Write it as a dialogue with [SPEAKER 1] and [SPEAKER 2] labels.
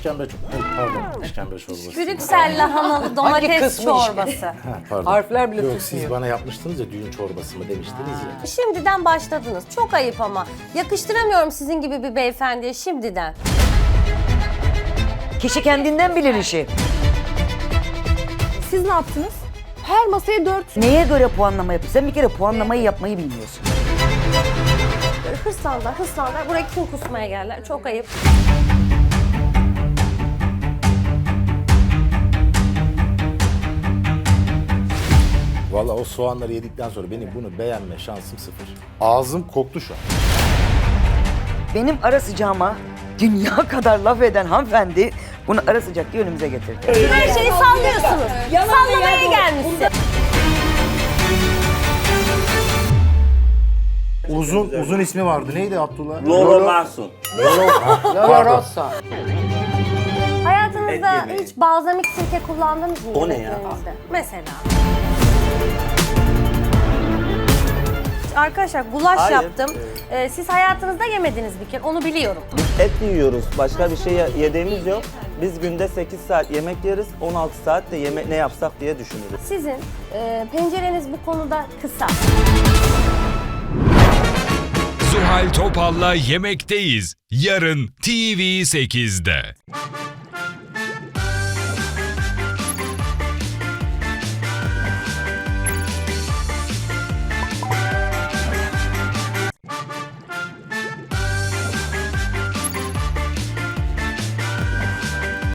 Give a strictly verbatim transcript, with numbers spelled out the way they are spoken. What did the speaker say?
[SPEAKER 1] İşkembe çok. Pardon, işkembe çorbası.
[SPEAKER 2] Brüksel lahanalı domates
[SPEAKER 3] kısmı
[SPEAKER 2] çorbası.
[SPEAKER 1] Ha, pardon.
[SPEAKER 3] Harfler bile
[SPEAKER 1] Yok,
[SPEAKER 3] tutmuyor.
[SPEAKER 1] siz bana yapmıştınız ya düğün çorbası mı demiştiniz ya.
[SPEAKER 2] Şimdiden başladınız. Çok ayıp ama. Yakıştıramıyorum sizin gibi bir beyefendiye şimdiden.
[SPEAKER 4] Kişi kendinden bilir işi.
[SPEAKER 5] Siz ne yaptınız? Her masaya dört.
[SPEAKER 4] Neye göre puanlama yapıyorsun? Sen bir kere puanlamayı yapmayı bilmiyorsun.
[SPEAKER 2] Hırslanlar, hırslanlar. Buraya kim kusmaya geldiler? Çok ayıp.
[SPEAKER 1] Vallahi o soğanları yedikten sonra benim bunu beğenme şansım sıfır. Ağzım koktu şu an.
[SPEAKER 4] Benim ara sıcağıma dünya kadar laf eden hanımefendi bunu ara sıcak diye önümüze getirdi.
[SPEAKER 2] Her şeyi sallıyorsunuz. Sallamaya gelmişsin.
[SPEAKER 1] Uzun uzun ismi vardı. Neydi Abdullah?
[SPEAKER 6] Lolo Mahsun.
[SPEAKER 1] Pardon.
[SPEAKER 2] Hayatınızda hiç balzamik sirke kullandınız mı?
[SPEAKER 6] O ne ya?
[SPEAKER 2] yemeklerinizde? Mesela. Arkadaşlar gulaş
[SPEAKER 6] Hayır.
[SPEAKER 2] yaptım. Ee, siz hayatınızda yemediniz bir kere. Onu biliyorum.
[SPEAKER 6] Et yiyoruz. Başka bir şey yediğimiz yok. Biz günde sekiz saat yemek yeriz. on altı saat de yemek ne yapsak diye düşünürüz.
[SPEAKER 2] Sizin e, pencereniz bu konuda kısa.
[SPEAKER 7] Zuhal Topal'la Yemekteyiz. Yarın T V sekizde.